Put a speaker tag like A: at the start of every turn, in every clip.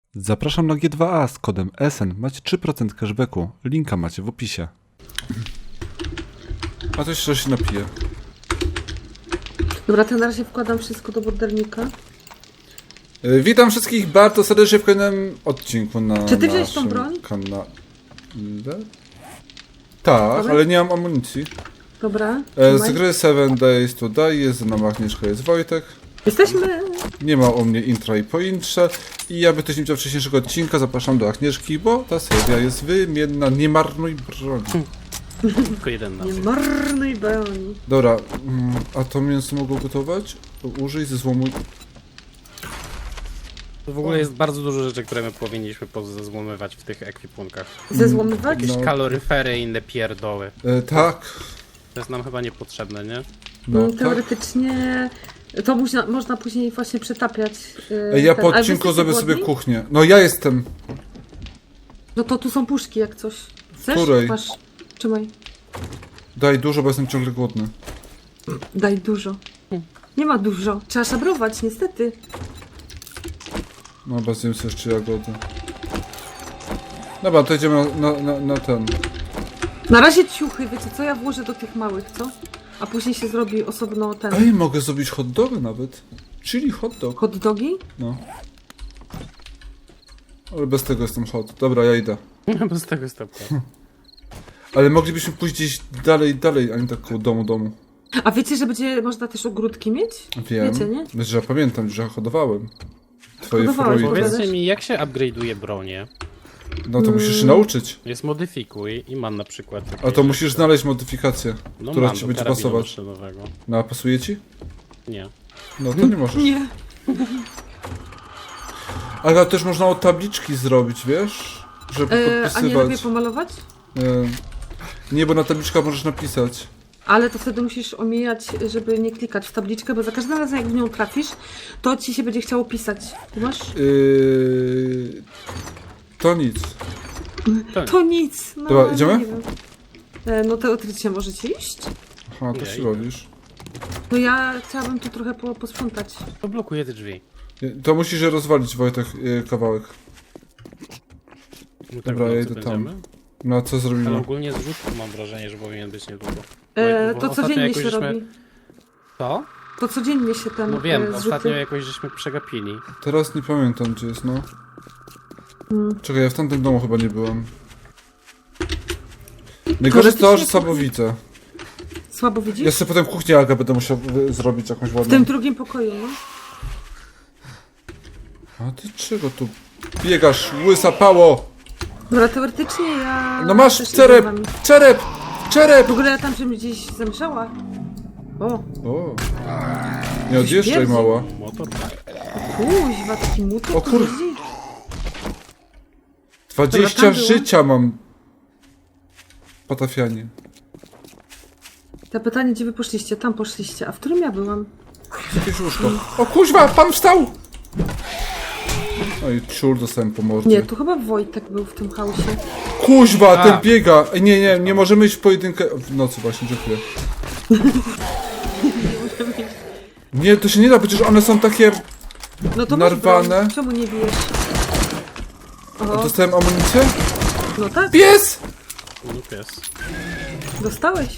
A: Zapraszam na G2A z kodem SN. Macie 3% cashbacku. Linka macie w opisie. A to jeszcze się napije.
B: Dobra, to na razie wkładam wszystko do bordernika.
A: Witam wszystkich bardzo serdecznie w kolejnym odcinku na
B: Czy ty wziąłeś tą broń?
A: kanale. Tak,
B: Dobra.
A: ale nie mam amunicji.
B: Dobra,
A: Z
B: trzymaj.
A: gry 7 Days to Die jest ze mną Agnieszka, jest Wojtek.
B: Jesteśmy...
A: Nie ma u mnie intra i pointrze. I aby ktoś nie widział wcześniejszego odcinka, zapraszam do Agnieszki, bo ta seria jest wymienna. Nie marnuj broni.
C: Tylko jeden na
B: Nie marnuj broni.
A: Dobra, a to mięso mogło gotować? Użyj ze złomu.
C: W ogóle jest bardzo dużo rzeczy, które my powinniśmy pozazłomywać w tych ekwipunkach.
B: Zezłomywać?
C: Jakieś
A: No.
C: kaloryfery i inne pierdoły.
A: Tak.
C: To jest nam chyba niepotrzebne, nie?
A: No, tak.
B: Teoretycznie... To można później właśnie przetapiać.
A: Ja po
B: Ale wy
A: odcinku
B: jesteście
A: zrobię sobie
B: głodni?
A: kuchnię. No ja jestem.
B: No to tu są puszki jak coś. Chcesz?
A: Której?
B: Masz. Trzymaj.
A: Daj dużo, bo jestem ciągle głodny.
B: Daj dużo. Nie ma dużo. Trzeba szabrować, niestety.
A: No, bez sobie jeszcze jagody. Dobra, to idziemy na ten.
B: Na razie ciuchy, wiecie co? Ja włożę do tych małych, co? A później się zrobi osobno ten...
A: Ej, mogę zrobić hot dogy nawet. Chili hot dog.
B: Hot dogi?
A: No. Ale bez tego jestem hot. Dobra, ja idę.
C: Bez tego stopnia.
A: Ale moglibyśmy pójść gdzieś dalej, a nie tak koło domu.
B: A wiecie, że będzie można też ogródki mieć?
A: Wiem.
B: Wiecie, nie?
A: Znaczy, że pamiętam, że hodowałem. Twoje
B: Hodowałeś,
A: fruity.
B: powiedz.
C: Powiedzcie mi, jak się upgrade'uje bronię?
A: No to musisz się nauczyć.
C: Jest modyfikuj i mam na przykład...
A: A to
C: jakieś
A: musisz
C: rzeczy.
A: znaleźć modyfikację,
C: No
A: która
C: mam
A: ci
C: do
A: będzie
C: karabinu
A: pasować.
C: maszynowego.
A: No a pasuje ci?
C: Nie.
A: No to nie możesz.
B: Nie.
A: Ale też można od tabliczki zrobić, wiesz? Żeby
B: A nie lubię
A: podpisywać.
B: pomalować?
A: Nie, bo na tabliczkach możesz napisać.
B: Ale to wtedy musisz omijać, żeby nie klikać w tabliczkę, bo za każdym razem jak w nią trafisz, to ci się będzie chciało pisać. Tu masz?
A: To nic.
B: To nic. No,
A: Dobra, idziemy?
B: nie wiem. No teoretycznie możecie iść.
A: Aha, to się
C: Jej.
A: robisz.
B: No ja chciałabym tu trochę posprzątać.
C: To blokuje te drzwi.
A: To musisz je rozwalić, Wojtek, kawałek.
C: My
A: Dobra,
C: w
A: ja
C: nocy
A: idę tam.
C: będziemy?
A: No a co
C: Ale
A: zrobimy?
C: ogólnie zrzutku mam wrażenie, że powinien być niedługo. Bo
B: To
C: ostatnio
B: codziennie
C: jakoś
B: się
C: żeśmy-
B: robi.
C: Co?
B: To codziennie się ten
C: No wiem,
B: zrzuty.
C: ostatnio jakoś żeśmy przegapili.
A: Teraz nie pamiętam, gdzie jest, no. Czekaj, ja w tamtym domu chyba nie byłem. Najgorsze jest to, że
B: Teoretycznie
A: słabo widzę.
B: Słabo widzisz?
A: Ja sobie potem kuchnię Aga będę musiał zrobić jakąś
B: W
A: ładną.
B: tym drugim pokoju, no.
A: A ty czego tu biegasz, łysa pało?
B: Dobra, teoretycznie ja...
A: No masz
B: też idę
A: czerep!
B: z wami.
A: Czerep!
B: W ogóle ja tam czymś gdzieś zamieszała. O,
A: O. Nie odjeżdżaj,
B: śmierdzi.
A: mała.
C: Motor?
B: kuźwa, taki motor
A: O
B: tu
A: kur-
B: jeździ.
A: 20
B: tam było.
A: życia mam. Patafianie.
B: To pytanie, gdzie wy poszliście? Tam poszliście. A w którym ja byłam?
A: Jakieś łóżko. O kuźwa, pan wstał! No i ciur dostałem po mordzie.
B: Nie, tu chyba Wojtek był w tym chaosie.
A: Kuźwa,
C: A.
A: ten biega! Ej, nie możemy iść w pojedynkę. W nocy właśnie, dziękuję. Nie, to się nie da, przecież one są takie...
B: No to masz
A: Narwane.
B: broń. Czemu nie bijesz? O,
A: Dostałem amunicję?
B: no tak,
A: Pies!
C: No pies.
B: dostałeś.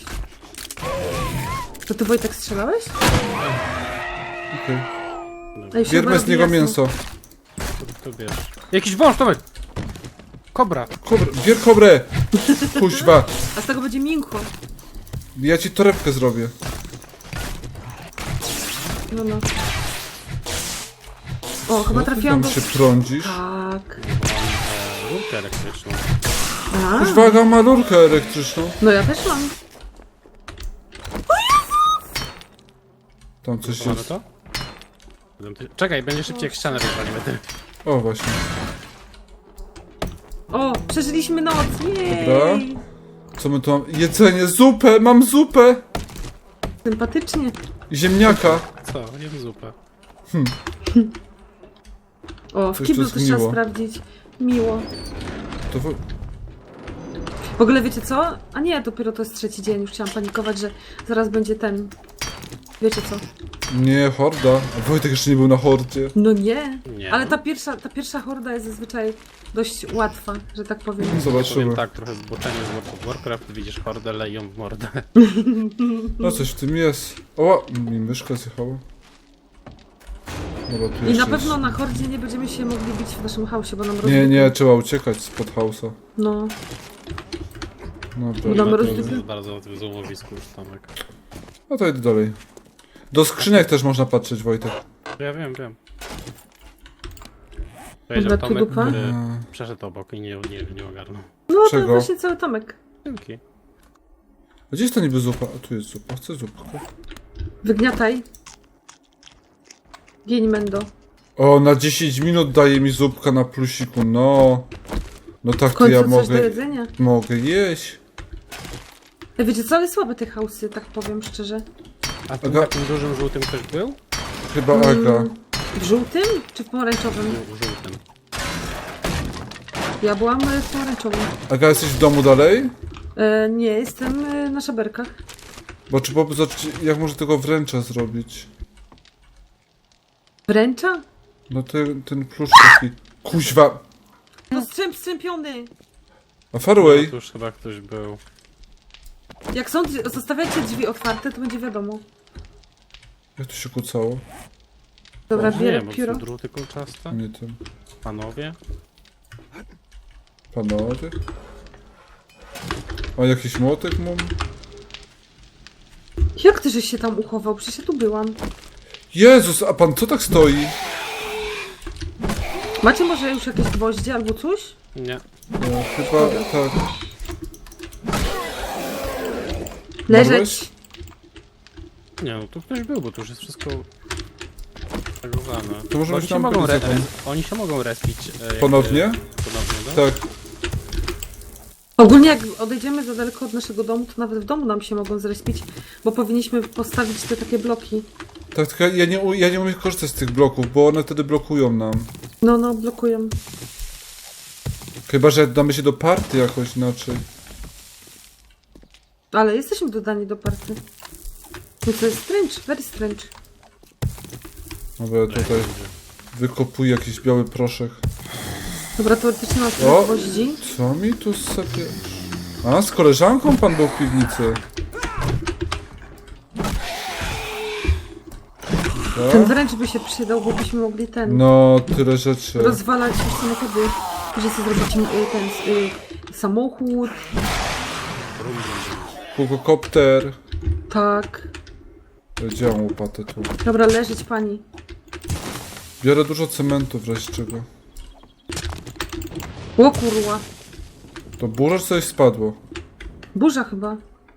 B: To ty Wojtek strzelałeś?
A: Okej.
B: Ej, się
A: Bierzmy z
B: robi
A: niego
B: jasno.
A: mięso.
C: To bierz. Jakiś wąż, Tomek! Kobra!
A: Bier kobrę! Kuźwa,
B: A z tego będzie miękko.
A: ja ci torebkę zrobię.
B: No, no. O, chyba
A: No, ty
B: trafiłam
A: tam
B: do...
A: się prądzisz.
B: Tak.
C: Rurkę elektryczną.
B: A,
A: Kuźwa, Aga ma lurkę elektryczną.
B: no ja też mam.
A: Tam coś
C: Mamy
A: jest.
C: to? Czekaj, będzie szybciej jak ścianę rozwalimy. Ty.
A: O, właśnie.
B: O, przeżyliśmy noc. Jej.
A: Dobra. Co my tu mam? Jedzenie, zupę! Mam zupę!
B: Sympatycznie.
A: Ziemniaka.
C: Co? Jem zupę.
B: O, w
A: Coś
B: kiblu
A: tu
B: też trzeba
A: zgniło.
B: sprawdzić. Miło.
A: To
B: W ogóle wiecie co? A nie, dopiero to jest trzeci dzień. Już chciałam panikować, że zaraz będzie ten... Wiecie co?
A: Nie, horda. A Wojtek jeszcze nie był na hordzie.
B: No nie.
C: Nie.
B: Ale ta pierwsza horda jest zazwyczaj dość łatwa, że tak powiem.
A: Zobaczymy.
C: Powiem tak, trochę zboczenie z World of Warcraft, widzisz hordę, leją w mordę.
A: No coś w tym jest. O, mi myszka zjechała. Dobra, tu
B: I na
A: jeszcze
B: pewno
A: jest.
B: na hordzie nie będziemy się mogli bić w naszym chaosie, bo nam
A: Nie,
B: rozbiegnie.
A: nie, trzeba uciekać spod house'a.
B: No.
A: Dobra,
B: Damy
A: dobra.
B: rozbieg-
C: Jest bardzo na tym złomowisku już, Tomek.
A: No to idę dalej. Do skrzynek też można patrzeć, Wojtek.
C: Ja wiem. Powiedział
B: Dobra, tu
C: Tomek,
B: dupa.
C: który przeszedł obok i nie ogarnął.
B: No to
A: Czego?
B: właśnie cały Tomek.
C: Dzięki.
A: A gdzie jest ta niby zupa? A tu jest zupa. Chcę zupkę.
B: Wygniataj. Gień Mendo.
A: O, na 10 minut daje mi zupka na plusiku, no. No
B: W
A: tak to
B: końcu
A: ja
B: coś do
A: mogę,
B: jedzenia.
A: mogę jeść.
B: Ej, wiecie co, ale słabe te chaosy, tak powiem szczerze.
C: A tym
A: Aga-
C: takim dużym żółtym ktoś był?
A: Chyba Aga.
B: W żółtym czy w pomarańczowym?
C: Żółtym.
B: Ja byłam w pomarańczowym.
A: Aga, jesteś w domu dalej?
B: Nie, jestem na szaberkach.
A: Bo czy po zobaczyć, jak może tego wręcza zrobić?
B: Wręcza?
A: No ten plusz taki. Kuźwa.
B: No strzępiony!
A: A Farway?
C: No, tu już chyba ktoś był.
B: Jak są, zostawiacie drzwi otwarte, to będzie wiadomo.
A: Jak to się kucało?
B: Dobra,
C: Może
B: bierę
C: nie, bo
B: pióro.
C: są druty kolczaste.
A: Nie tym.
C: Panowie.
A: Panowie? A jakiś młotek mam?
B: Jak ty żeś się tam uchował? Przecież ja tu byłam.
A: Jezus, a pan co tak stoi?
B: Macie może już jakieś gwoździe albo coś?
C: Nie.
A: No, chyba tak.
B: Leżeć!
A: Marłeś?
C: Nie, no tu ktoś był, bo tu już jest wszystko tagowane.
A: To może
C: Bo
A: być
C: oni się
A: tam
C: mogą
A: byli zakon.
C: Oni się mogą respić. Jakby...
A: Ponownie?
C: Ponownie, no?
A: Tak.
B: Ogólnie jak odejdziemy za daleko od naszego domu, to nawet w domu nam się mogą zrespić, bo powinniśmy postawić te takie bloki.
A: Tak, tylko ja nie umiem korzystać z tych bloków, bo one wtedy blokują nam.
B: No, blokują.
A: Chyba, że damy się do party jakoś inaczej.
B: Ale jesteśmy dodani do party. No to jest strange, very strange.
A: Dobra, ja tutaj wykopuję jakiś biały proszek.
B: Dobra, teoretycznie mam
A: O!
B: tyle gwoździ.
A: Co mi tu sobie... A, z koleżanką pan był w piwnicy.
B: Ten
A: Tak?
B: wręcz by się przydał, bo byśmy mogli
A: No, tyle rzeczy.
B: rozwalać już samochody. Że chcę zrobić samochód.
A: Kukokopter.
B: Tak.
A: Gdzie mam łopatę tu?
B: Dobra, leżeć pani.
A: Biorę dużo cementu w razie czego.
B: O kurwa.
A: To burza czy coś spadło?
B: Burza chyba.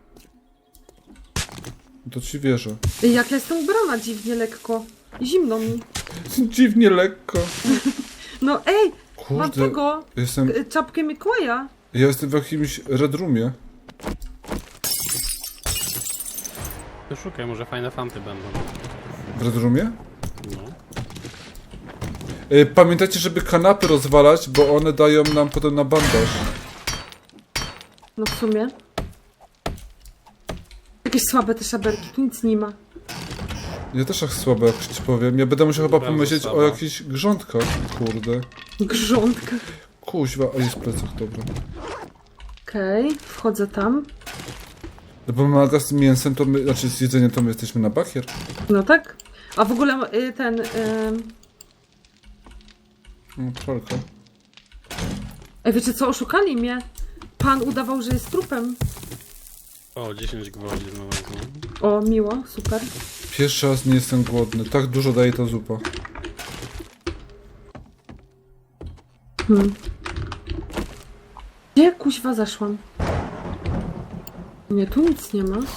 A: To ci wierzę.
B: Ej, jak ja jestem ubrana dziwnie lekko. Zimno mi.
A: Dziwnie lekko.
B: No ej, mam
A: Kurde,
B: tego. Czapkę Mikołaja.
A: ja jestem w jakimś red roomie.
C: To szukaj, może fajne fanty będą.
A: W red roomie?
C: No.
A: Pamiętajcie, żeby kanapy rozwalać, bo one dają nam potem na bandaż.
B: No w sumie. Jakieś słabe te szaberki, tu nic nie ma.
A: Ja też tak słabo, jak ci powiem. Ja będę musiał chyba
C: Bardzo
A: pomyśleć
C: słaba.
A: o jakichś grządkach. Kurde.
B: Grządka.
A: Kuźwa, a jest plecak, dobra.
B: Okej, wchodzę tam.
A: No bo maga z mięsem, to my, znaczy z jedzeniem to my jesteśmy na bakier.
B: No tak. A w ogóle ten...
A: No, pralka.
B: Ej, wiecie co, oszukali mnie. Pan udawał, że jest trupem.
C: O, 10 gwoździ znalazłem.
B: O, miło, super.
A: Pierwszy raz nie jestem głodny. Tak dużo daje ta zupa.
B: Gdzie kuźwa zaszłam? Nie, tu nic nie ma.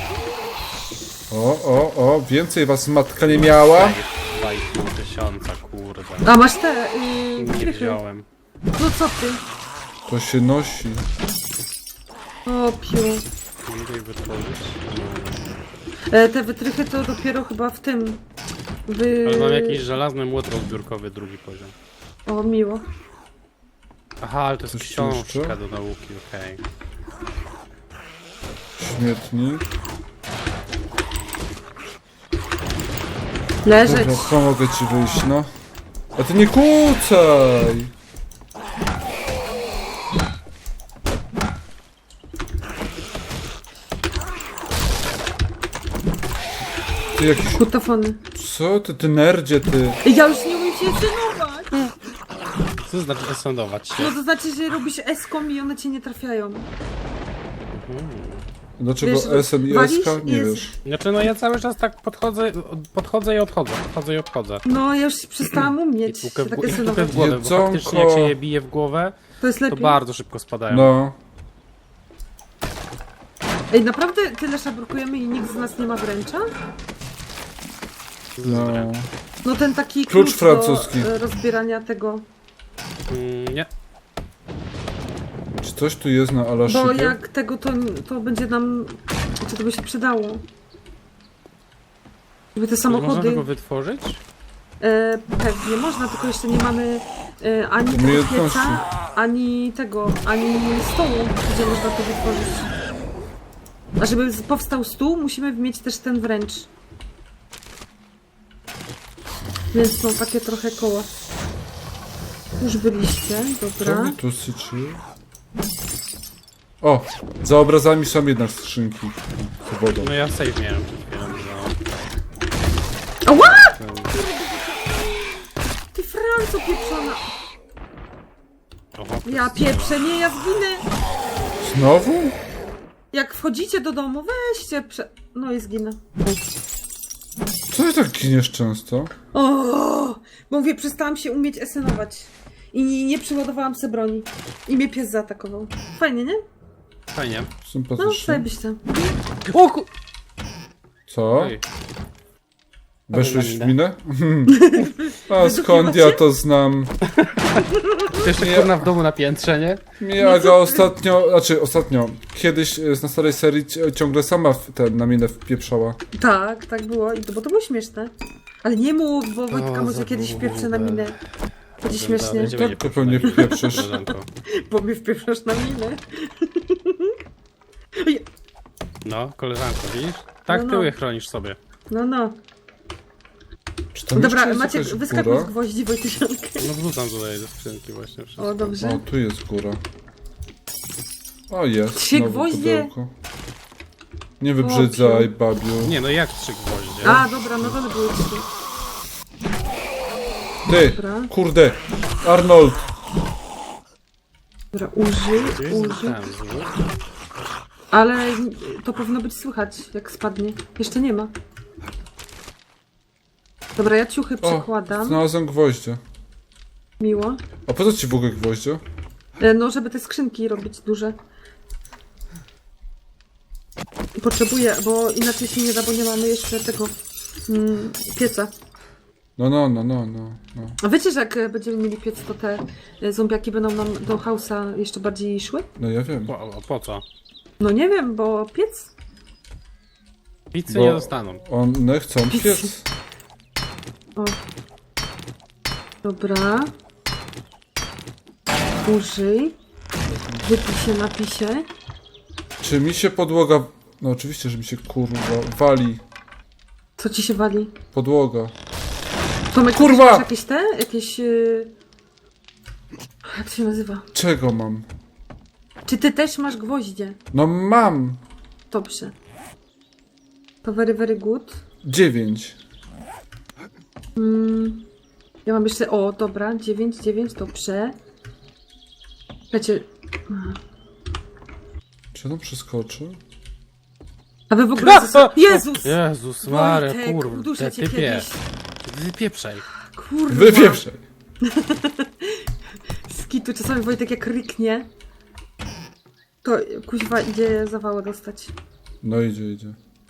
A: O, więcej was matka nie miała.
C: 2,5 tysiąca, kurde.
B: A, masz te...
C: Nie
B: krychy.
C: wziąłem.
B: No co ty?
A: To się nosi.
B: O, piu.
C: Nie mogę ich wytworzyć.
B: Te wytrychy to dopiero chyba w tym.
C: Ale mam jakiś żelazny młot rozbiórkowy, drugi poziom.
B: O, miło.
C: Aha, ale to jest
A: Coś
C: książka
A: jeszcze?
C: do nauki, okej.
A: Śmietnik.
B: Leżeć.
A: Dobra, pomogę ci wyjść, no. A ty nie kłócaj! Ty jakiś...
B: Kutofony.
A: Co ty, ty nerdzie, ty?
B: Ja już nie umiem się esenować.
C: Co znaczy esondować się?
B: No to znaczy, że robisz eską i one cię nie trafiają.
A: Dlaczego
B: Wiesz,
A: SN i
B: walisz
A: SK? Nie
B: i jest-
A: wiesz.
C: Znaczy no ja cały czas tak podchodzę i odchodzę.
B: No ja już przestałam
C: I
B: umieć
C: tłukę
B: się
C: w,
B: tak
C: tłukę
B: esenować.
C: w głowę, bo
A: Jedzonko.
C: faktycznie jak się je bije w głowę,
B: To jest
C: to
B: lepiej.
C: bardzo szybko spadają.
A: No.
B: Ej, naprawdę tyle szabrukujemy i nikt z nas nie ma wręcza?
A: No.
B: No ten taki
A: Klucz
B: klucz
A: francuski.
B: do rozbierania tego.
C: Nie.
A: Czy coś tu jest na
B: Bo
A: Alaszypie?
B: jak tego, to będzie nam... Czy to by się przydało? Żeby te
C: Można
B: samochody...
C: tego wytworzyć?
B: Pewnie można, tylko jeszcze nie mamy ani tego
A: Umiejętności.
B: pieca, ani tego, ani stołu, gdzie można to wytworzyć. A żeby powstał stół, musimy mieć też ten wręcz. Więc są takie trochę koła. Już byliście,
A: Co
B: dobra.
A: mi tu syczy? O! Za obrazami są jednak skrzynki. Z wodą.
C: No ja save miałem przed chwilą.
B: Ała!
C: No.
B: Ty Franco pieprzona!
C: Oho,
B: Ja pieprzę, nie, ja zginę!
A: Znowu?
B: Jak wchodzicie do domu, weźcie No i zginę.
A: Co ty tak giniesz często?
B: O, bo mówię, przestałam się umieć esenować. I nie przyładowałam se broni. I mnie pies zaatakował. Fajnie, nie?
C: Fajnie.
B: No,
A: Sympatycznie.
B: zajebiście.
C: O ku...
A: Co?
C: Oj.
A: Weszłeś w
C: Minę.
A: minę? A skąd ja to znam?
C: Ty jeszcze kurna w domu na piętrze, nie?
A: Miaga ostatnio, kiedyś na starej serii ciągle sama na minę wpieprzała.
B: Tak było. Bo to było śmieszne. Ale nie mów, bo Wojtka może
C: za
B: kiedyś
C: długo.
B: wpieprzę na minę. Będzie
C: Dobra,
B: śmiesznie.
C: będziemy
A: Tak,
C: nie
A: to pewnie wpieprzysz.
C: koleżanko.
B: Bo mnie wpieprzasz na minę.
C: No, koleżanko, widzisz? Tak
B: No.
C: tyły chronisz sobie.
B: No.
A: Czy tam jeszcze
B: Dobra,
A: jest
B: Maciek,
A: jakaś
B: wyskakuj z
A: góra?
B: gwoździ, Wojtysiankę.
C: No wrzucam tutaj do skrzynki właśnie wszystko.
B: O, dobrze.
A: O, tu jest góra. O, jest.
B: 3
A: znowu
B: gwoździe?
A: pudełko. Nie wybrzydzaj, babiu.
C: Nie no jak 3 gwoździe?
B: A, dobra, no to były 3.
A: Ty,
B: Dobra.
A: kurde, Arnold.
B: Dobra, użyj.
C: Tam, złóż.
B: Ale to powinno być słychać, jak spadnie. Jeszcze nie ma. Dobra, ja ciuchy
A: O,
B: przekładam.
A: znalazłem gwoździe.
B: Miło.
A: A po co ci w ogóle gwoździe?
B: No, żeby te skrzynki robić duże. Potrzebuję, bo inaczej się nie da, bo nie mamy jeszcze tego pieca.
A: No.
B: A wiecie, że jak będziemy mieli piec, to te zombiaki będą nam do hausa jeszcze bardziej szły?
A: No ja wiem.
C: Po co?
B: No nie wiem, bo piec?
C: Pizzy
A: Bo
C: nie dostaną.
A: one chcą piec.
B: O. Dobra. Użyj. Wypij się, napij się.
A: Czy mi się podłoga... No oczywiście, że mi się kurwa wali.
B: Co ci się wali?
A: Podłoga.
B: Tomek,
A: Kurwa!
B: masz jakieś te? Jakieś... Jak to się nazywa?
A: Czego mam?
B: Czy ty też masz gwoździe?
A: No mam!
B: Dobrze. To very, very good.
A: 9.
B: Ja mam jeszcze... O, dobra. 9, dobrze. Wiecie...
A: Czy on przeskoczy?
B: A wy w ogóle... Jezus!
C: Jezus Maria,
B: Wojtek,
C: kurwa,
B: uduszę cię
C: typie.
B: kiedyś.
C: Wypieprzaj.
B: Kurwa.
A: Wypieprzaj!
B: Skitu, czasami Wojtek jak ryknie, to kuźwa idzie zawałę dostać.
A: No idzie.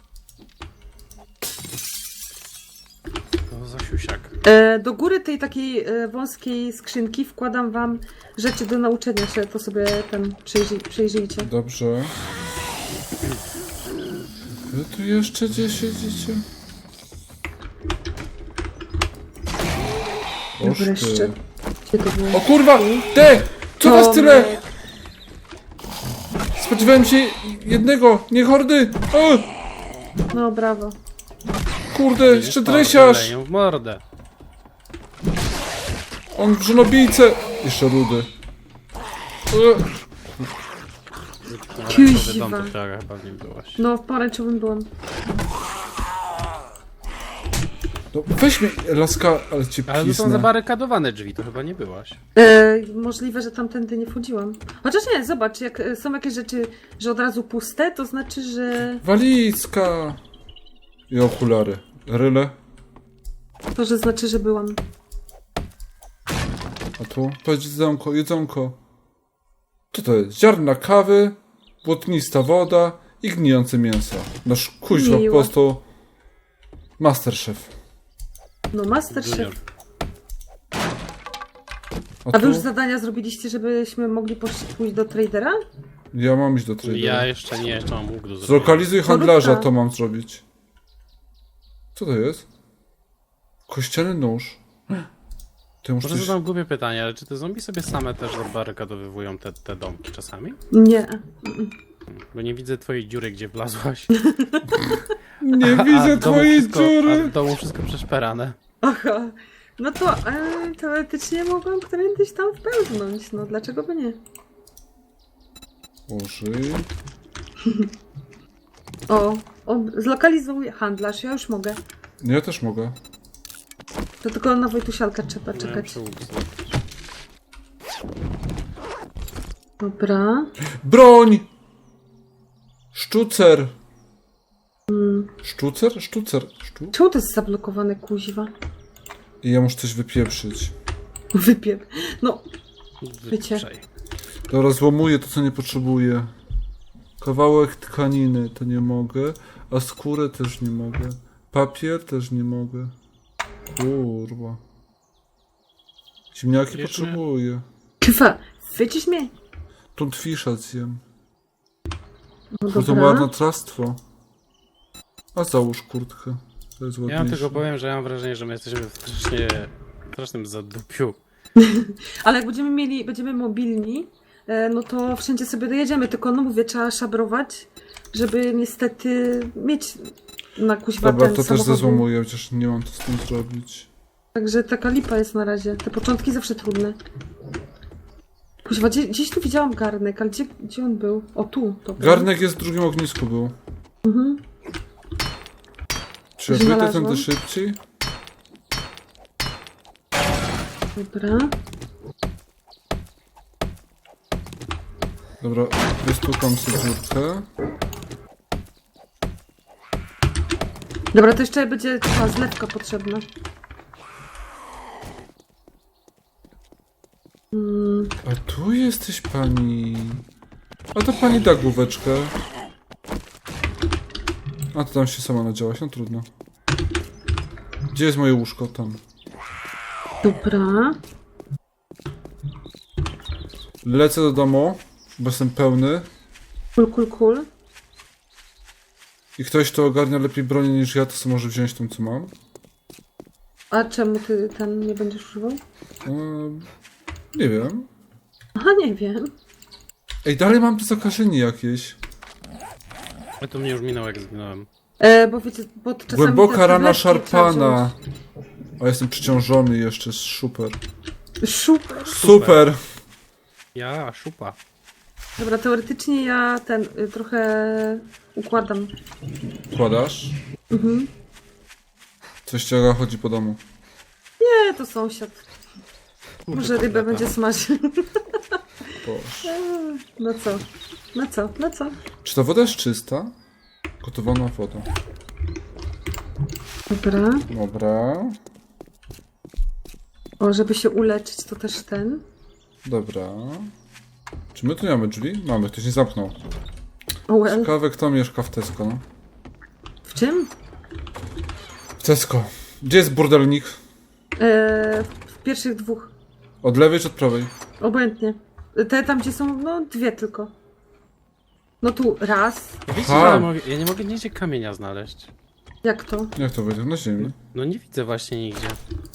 C: To za siusiak.
B: Do góry tej takiej wąskiej skrzynki wkładam wam rzeczy do nauczenia się, to sobie tam przejrzyjcie.
A: Dobrze. Wy tu jeszcze gdzie siedzicie? Oż
B: Wreszcie.
A: ty.
B: Gdzie to było?
A: O kurwa! Ty! Co was tyle?
B: Tomek.
A: Spodziewałem się jednego, nie hordy! O!
B: No brawo.
A: Kurde, jeszcze dresiarz!
C: Leją w mordę.
A: On żonobijce! Jeszcze rudy.
B: Kuźwa.
C: Dom to wczoraj chyba w nim byłaś.
B: No, w pomarańczowym byłam.
A: No weź mnie, laska, ale cię
C: Ale to są
A: pisnę.
C: zabarykadowane drzwi, to chyba nie byłaś.
B: Możliwe, że tamtędy nie wchodziłam. Chociaż nie, zobacz, jak są jakieś rzeczy, że od razu puste, to znaczy, że
A: Walizka! I okulary. Ryle.
B: to, że znaczy, że byłam.
A: A tu? Patrz, jedzonko, jedzonko. Co to jest? Ziarna kawy, błotnista woda i gnijące mięso. Nasz kuźwa po
B: Miło.
A: prostu... Masterchef.
B: No, Masterchef.
C: Junior.
B: A wy
A: tu?
B: już zadania zrobiliście, żebyśmy mogli pójść do tradera?
A: Ja mam iść do tradera.
C: Ja jeszcze nie, jeszcze mam łuk do zrobienia.
A: Zlokalizuj handlarza,
B: Poróbka.
A: to mam zrobić. Co to jest? Kościelny nóż. To muszę
C: Może
A: coś...
C: zadam głupie pytanie, ale czy te zombie sobie same też zabarykadowywują te domki czasami?
B: Nie.
C: Bo nie widzę twojej dziury, gdzie wlazłaś.
A: Nie
C: A
A: widzę
C: w domu
A: twojej
C: wszystko, A
A: dziury!
C: w domu wszystko przeszperane.
B: Aha. No to teoretycznie mogłam którędyś tam wpełznąć. No, dlaczego by nie?
A: Użyj.
B: O, zlokalizuj handlarz, ja już mogę.
A: Ja też mogę.
B: To tylko na Wojtusialkę trzeba
C: Ja
B: czekać.
C: muszę łuk zrobić.
B: Dobra.
A: Broń! Sztucer! Sztucer? Sztucer.
B: Czemu to jest zablokowane, kuźwa?
A: I ja muszę coś wypieprzyć.
B: Wypiep. No, Wiecie.
C: Wyprzej.
A: Dobra, złomuję to, co nie potrzebuję. Kawałek tkaniny to nie mogę, a skórę też nie mogę. Papier też nie mogę. Kurwa. Ziemniaki
C: Wiesz,
A: potrzebuję.
B: Kywa, wycisz mnie.
A: Tuntfisza zjem.
B: No
A: To
B: dobra.
A: marnotrawstwo. A załóż kurtkę. To jest
C: Ja wam
A: ładniejsze.
C: tylko powiem, że ja mam wrażenie, że my jesteśmy w strasznym zadupiu.
B: Ale jak będziemy mobilni, no to wszędzie sobie dojedziemy, tylko no mówię, trzeba szabrować, żeby niestety mieć na kuźwa
A: Dobra,
B: ten
A: to też
B: samochód.
A: zezłomuję, chociaż nie mam co z tym zrobić.
B: Także taka lipa jest na razie. Te początki zawsze trudne. Kuźwa, gdzieś tu widziałam garnek, ale gdzie on był? O, tu. Dobra.
A: Garnek jest w drugim ognisku był. Czy ja wyjdę
B: Znalazłam.
A: tędy szybciej?
B: Dobra.
A: Dobra, wystukam sobie dziurkę.
B: Dobra, to jeszcze będzie ta zlewka potrzebna.
A: A tu jesteś pani. A to pani da główeczkę. A to tam się sama nadziałaś, no trudno. Gdzie jest moje łóżko? Tam.
B: Dobra.
A: Lecę do domu, bo jestem pełny.
B: Cool.
A: I ktoś, kto ogarnia lepiej bronię niż ja, to sobie może wziąć tą, co mam.
B: A czemu ty ten nie będziesz używał?
A: Nie wiem.
B: Aha, nie wiem.
A: Ej, dalej mam to zakażenie jakieś.
C: Ale to mnie już minęło, jak zginąłem.
B: Bo wiecie, bo czasami
A: Głęboka
B: te
A: rana
B: tabletki trzeba
A: szarpana. A jestem przyciążony jeszcze, super.
B: wziąć. Super.
A: Super!
C: Ja, szupa.
B: Dobra, teoretycznie ja trochę układam.
A: Kładasz? Coś ciąga chodzi po domu.
B: Nie, to sąsiad. Może rybę będzie smażył.
A: Boże.
B: No co?
A: Czy ta woda jest czysta? Gotowana woda.
B: Dobra.
A: Dobra.
B: O, żeby się uleczyć, to też
A: Dobra. Czy my tu nie mamy drzwi? Mamy, ktoś nie zamknął.
B: O, well.
A: Ciekawe, kto mieszka w Tesco, no.
B: W czym?
A: W Tesco. Gdzie jest burdelnik?
B: W pierwszych dwóch.
A: Od lewej czy od prawej?
B: Obojętnie. Te tam, gdzie są, no dwie tylko. No tu raz.
C: Wiecie,
A: Aha.
C: że ja nie mogę nigdzie kamienia znaleźć.
B: Jak to?
A: Jak to wyjdzie? Na ziemi.
C: No nie widzę właśnie nigdzie.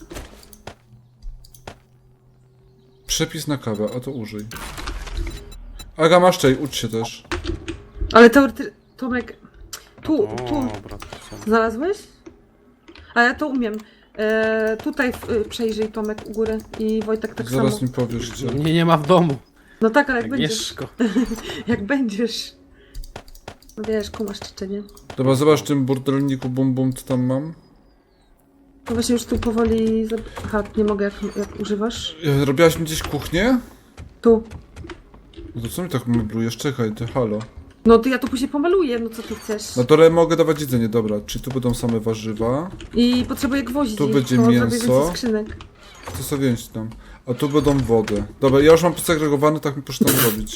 A: Przepis na kawę, a to użyj. Aga, masz czej, ucz się też.
B: Ale Tomek, tu
C: O, brat.
B: znalazłeś? A ja to umiem. Tutaj przejrzyj Tomek u góry i Wojtek tak
A: Zaraz
B: samo.
A: mi powiesz, gdzie.
C: Mnie nie ma w domu.
B: No tak, ale jak będziesz.
C: Agnieszko.
B: Jak będziesz. No wiesz, kumasz czy nie?
A: Dobra, zobacz w tym burdelniku bum bum, co tam mam.
B: No właśnie już tu powoli... Aha, nie mogę jak używasz.
A: Robiłaś mi gdzieś kuchnię?
B: Tu.
A: No to co mi tak meblujesz? Czekaj, ty halo.
B: No to ja to później pomaluję, no co ty chcesz.
A: No to mogę dawać jedzenie, dobra. Czyli tu będą same warzywa.
B: I potrzebuję gwoździ.
A: Tu będzie
B: to zrobię
A: mięso.
B: więcej skrzynek.
A: To sobie wziąć tam. A tu będą wody. Dobra, ja już mam posegregowane, tak mi proszę tam zrobić.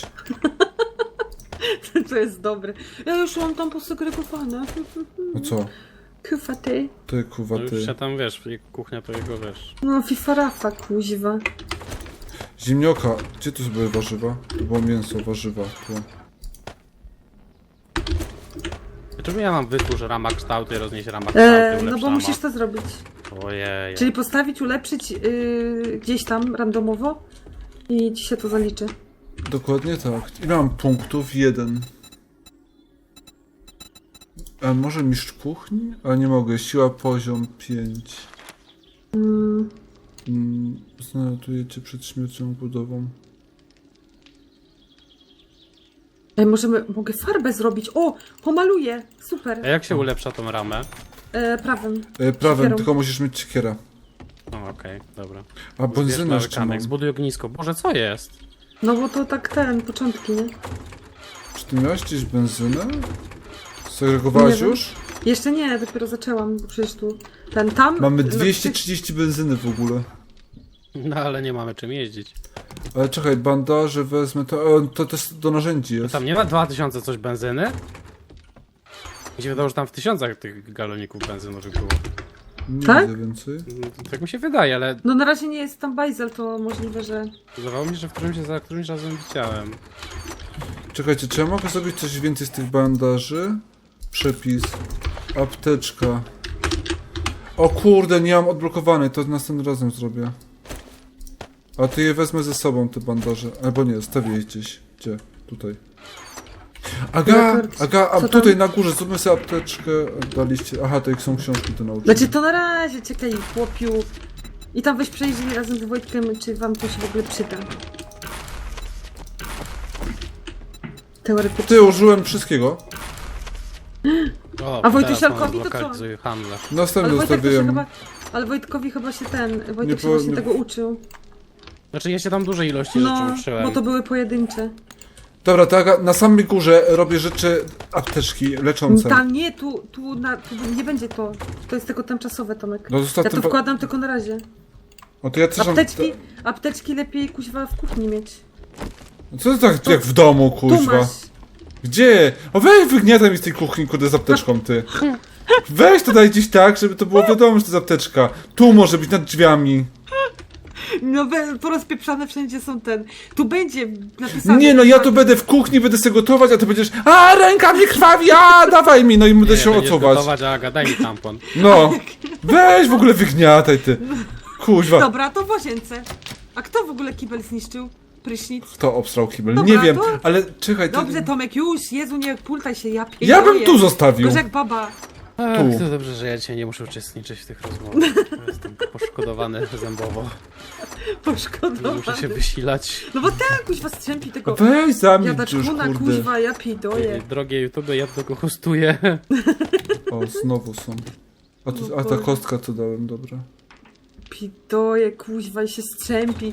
B: To jest dobre. Ja już mam tam posegregowane.
A: No co?
B: Kufa ty.
A: Ty, kuwa,
C: No już
A: ty.
C: się tam, wiesz, kuchnia to jego, wiesz.
B: No fifarafa kuźwa.
A: Zimnioka, gdzie tu były warzywa? Tu było mięso, warzywa, tu.
C: Czemu ja mam wytwórz rama kształty, roznieść rama kształty,
B: No
C: ulepsz
B: bo
C: rama?
B: musisz to zrobić.
C: Ojej.
B: Czyli postawić, ulepszyć gdzieś tam randomowo i ci się to zaliczy.
A: Dokładnie tak. Ile mam punktów? 1. A może mistrz kuchni? Ale nie mogę. Siła poziom 5. Znajduję cię przed śmiercią budową.
B: Ej, mogę farbę zrobić. O, pomaluję. Super.
C: A jak się ulepsza tą ramę?
B: Prawym.
A: Prawem,
B: Siekierą.
A: tylko musisz mieć siekierę.
C: O, okej, dobra.
A: A
C: Zbierz
A: benzynę
C: mały
A: jeszcze mam.
C: kamyk, zbuduj ognisko. Boże, co jest?
B: No bo to tak początki, nie?
A: Czy ty miałeś gdzieś benzynę? Segregowałaś
B: Nie wiem.
A: już?
B: Jeszcze nie, dopiero zaczęłam, bo przecież tu tam...
A: Mamy
B: no,
A: 230 benzyny w ogóle.
C: No ale nie mamy czym jeździć.
A: Ale czekaj, bandaże wezmę, to jest do narzędzi
C: No
A: jest.
C: tam nie ma 2000 coś benzyny? Mi się wydało, że tam w tysiącach tych galoników benzynowych było.
A: Nie
B: Tak?
A: widzę więcej.
C: No, tak mi się wydaje, ale
B: No na razie nie jest tam bajzel, to możliwe, że...
C: wydawało mi się, że za którymś razem widziałem.
A: Czekajcie, czy ja mogę zrobić coś więcej z tych bandaży? Przepis. Apteczka. O kurde, nie mam odblokowanej, to następnym razem zrobię. A to je wezmę ze sobą, te bandaże. Albo nie, stawię je gdzieś. Gdzie? Tutaj. Aga, a
B: Co
A: tutaj
B: tam?
A: na górze, zróbmy sobie apteczkę. Daliście. Aha, to jak są książki do nauki.
B: Znaczy to na razie, czekaj, chłopiu. I tam weź przejrzyj razem z Wojtkiem, czy wam to się w ogóle przyda. Teoretycznie.
A: Ty, użyłem wszystkiego.
C: O,
B: A Wojtusialkowi
C: teraz
B: to
C: mam
B: co?
C: zlokalizuj handlarz.
A: Następny
B: Ale Wojtek to się
A: zostawiłem.
B: chyba... Ale Wojtkowi chyba się Wojtek
A: Nie
B: się właśnie
A: nie-
B: tego uczył.
C: Znaczy ja się tam dużej ilości
B: No,
C: rzeczy uczyłem.
B: bo to były pojedyncze.
A: Dobra, to Aga, na samej górze robię rzeczy, apteczki leczące.
B: Tam nie, tu nie będzie to. To jest tylko tymczasowe, Tomek.
A: No zostaw
B: Ja to
A: ten
B: wkładam tylko na razie.
A: O, to ja też mam...
B: Apteczki lepiej kuźwa w kuchni mieć.
A: Co to tak jak w domu,
B: Tu
A: kuźwa?
B: masz.
A: Gdzie? O, weź wygniataj mi z tej kuchni, kurde, z apteczką, ty. Weź to daj gdzieś tak, żeby to było wiadomo, że to jest apteczka. Tu może być, nad drzwiami.
B: No porozpieprzane wszędzie są Tu będzie napisane.
A: Nie, no ja tu będę w kuchni, będę sobie gotować, a ty będziesz... A, ręka mi krwawi, a, dawaj mi, no i będę się
C: będziesz
A: odsuwać.
C: gotować, Aga, daj mi tampon.
A: No. Weź w ogóle wygniataj, ty. Kuźwa.
B: Dobra, to w łazience. A kto w ogóle kibel zniszczył? Prysznic?
A: Kto obstrał kibel?
B: Dobra,
A: Nie wiem,
B: to-
A: ale czekaj, ty...
B: Dobrze, Tomek, już, Jezu, nie pultaj się, ja
A: Ja bym
B: pierdolę.
A: tu zostawił.
B: Gorzej jak baba.
C: Ach,
A: Tu.
C: to dobrze, że ja dzisiaj nie muszę uczestniczyć w tych rozmowach. Jestem poszkodowany zębowo. Nie
B: Poszkodowany.
C: muszę się wysilać.
B: No bo ten kuźwa strzępi tego
A: Weź zamilcz już,
B: jadaczkuna,
A: kurde.
B: kuźwa, ja pidoję.
C: Drogie YouTube, ja tego hostuję.
A: O, znowu są. A ta kostka co dałem, dobra.
B: Pidoję, kuźwa, i się strzępi.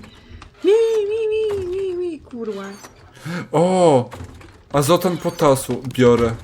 B: Mi, kurwa.
A: O! Azotan potasu biorę.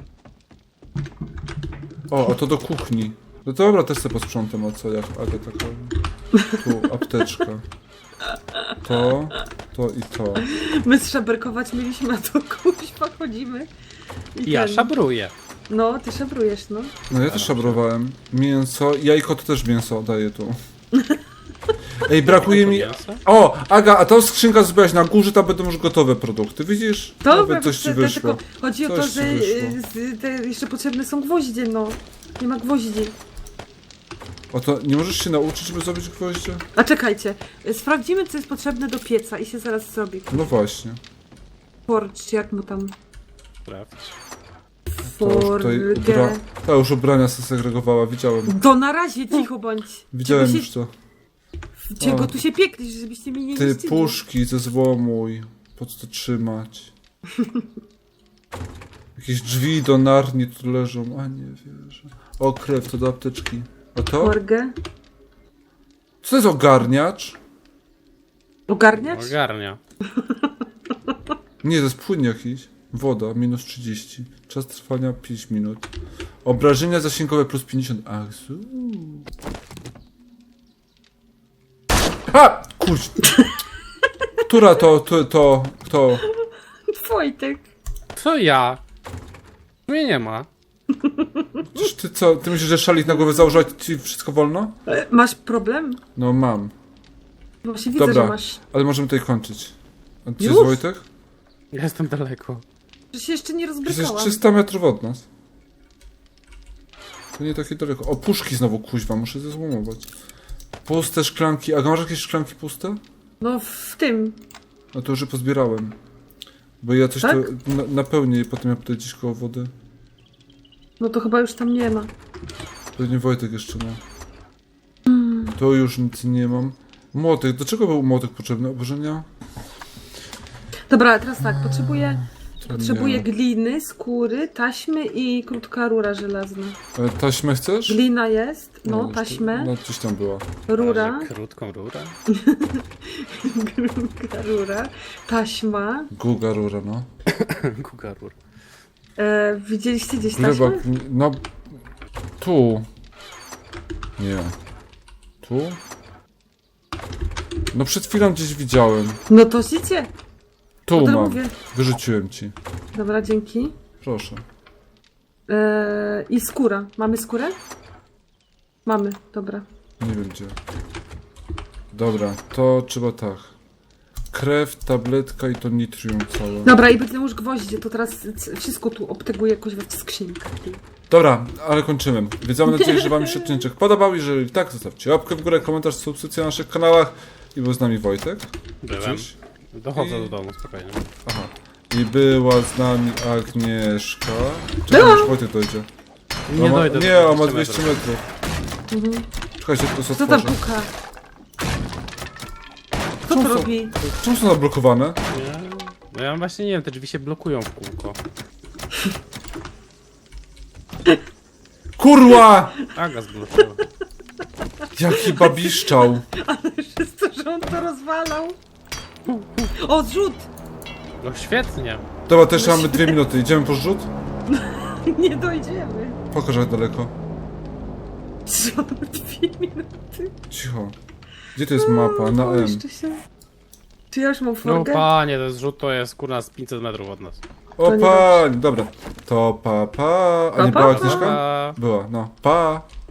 A: O, a to do kuchni. No dobra, też sobie posprzątam, a co, jak Aga taka... Tu, apteczka. To i to.
B: My szaberkować mieliśmy, a to kuźwa chodzimy. I
C: Ja
B: ten-
C: szabruję.
B: No, ty szabrujesz, no.
A: No ja też szabrowałem. Mięso, jajko to też mięso daję tu. Ej, brakuje mi...
C: Mięso?
A: O, Aga, a tą skrzynka zrobiłaś na górze, tam będą już gotowe produkty, widzisz?
B: Dobra,
A: Nawet coś ci
B: tylko
A: wyszło.
B: chodzi o to,
A: Coś ci
B: że
A: wyszło.
B: jeszcze potrzebne są gwoździe, no. Nie ma gwoździ.
A: O to nie możesz się nauczyć, żeby zrobić gwoździe?
B: A czekajcie, sprawdzimy, co jest potrzebne do pieca i się zaraz zrobi.
A: No właśnie.
B: Forge, czy jak mu tam...
C: Sprawdź.
B: Forgę.
A: Ta już ubrania segregowała, widziałem.
B: To na razie cicho bądź.
A: Widziałem
B: Czego
A: już to.
B: Czego
A: O.
B: tu się pieklisz, żebyście mi nie
A: Ty,
B: niszczyli?
A: puszki ze złomuj. Po co to trzymać? Jakieś drzwi do Narni tu leżą, a nie wierzę. O, krew, to do apteczki. A to?
B: Forgę.
A: Co to jest ogarniacz?
B: Ogarniacz?
C: Ogarnia.
A: Nie, to jest płyn jakiś. Woda, minus 30. Czas trwania 5 minut. Obrażenia zasięgowe plus 50. Ach, Ha! Kurcz. Która to?
B: Wojtek.
C: Co ja? Mnie nie ma.
A: Czyż ty co? Ty myślisz, że szalik na głowę założyć ci wszystko wolno?
B: Masz problem?
A: No mam.
B: Właśnie widzę,
A: Dobra,
B: że masz.
A: ale możemy tutaj kończyć. A ty
B: Już?
A: jest Wojtek?
C: Ja jestem daleko.
B: Że się jeszcze nie
A: Jesteś
B: rozbrykałam.
A: 300 metrów od nas. To nie takie daleko. O, puszki znowu kuźwa, muszę ze złomować. Puste szklanki. A masz jakieś szklanki puste?
B: No w tym.
A: No to już je pozbierałem. Bo ja coś
B: Tak?
A: tu napełnię i potem ja tutaj gdzieś koło wody.
B: No to chyba już tam nie ma.
A: Pewnie Wojtek jeszcze ma. To już nic nie mam. Młotek. Do czego był młotek potrzebny? Obożenia?
B: Dobra, teraz tak, potrzebuję
A: Nie.
B: gliny, skóry, taśmy i krótka rura żelazna.
A: Taśmę chcesz?
B: Glina jest, no,
A: już
B: taśmę,
A: No gdzieś tam była.
B: rura,
C: Razie krótką rurę.
B: krótka rura, taśma.
A: Guga rura, no.
C: Kuka rur.
B: Widzieliście gdzieś taśmę?
A: Rybak, no... Tu. Nie. Tu? No przed chwilą gdzieś widziałem.
B: No to życie.
A: Tu
B: No to
A: mam.
B: mówię.
A: Wyrzuciłem ci.
B: Dobra, dzięki.
A: Proszę.
B: I skóra. Mamy skórę? Mamy, dobra.
A: Nie wiem gdzie. Dobra, to trzeba tak. Krew, tabletka i to nitrium całe.
B: Dobra, i będę już gwoździe, to teraz wszystko tu obteguję jakoś w skrzynkach.
A: Dobra, ale kończymy. Więc mam nadzieję, że wam się odcinek podobał. Jeżeli tak, zostawcie łapkę w górę, komentarz, subskrypcję na naszych kanałach. I był z nami Wojtek.
C: Byłem.
A: Cześć.
C: Dochodzę do domu, spokojnie.
A: Aha. I była z nami Agnieszka. Czekaj, już Wojtek dojdzie.
C: Nie dojdę
A: Nie,
C: do
A: on ma
C: 200
A: 200 metrów. Czekajcie, to
B: Co tam
A: otworzę.
B: puka? Kto
A: Co
B: to
A: są?
B: robi?
A: Czemu są zablokowane?
C: Nie. No ja właśnie nie wiem, te drzwi się blokują w kółko.
A: Kurła!
C: Aga zblokowała.
A: Jaki babiszczał.
B: Przez to, że on to rozwalał. O, zrzut!
C: No świetnie.
A: Dobra, też mamy 2 minuty. Idziemy po zrzut?
B: Nie dojdziemy.
A: Pokaż jak daleko.
B: Co? 2 minuty.
A: Cicho. Gdzie to jest mapa? Na M.
B: Jeszcze się. Czy ja już mam
C: No
B: forgę?
C: panie, ten zrzut to jest kurna z 500 metrów od nas.
A: O
B: To nie
A: pani, dobra. To pa pa. A nie
B: Pa,
A: była
B: pa.
A: Agnieszka?
C: Pa.
A: Była, no. Pa.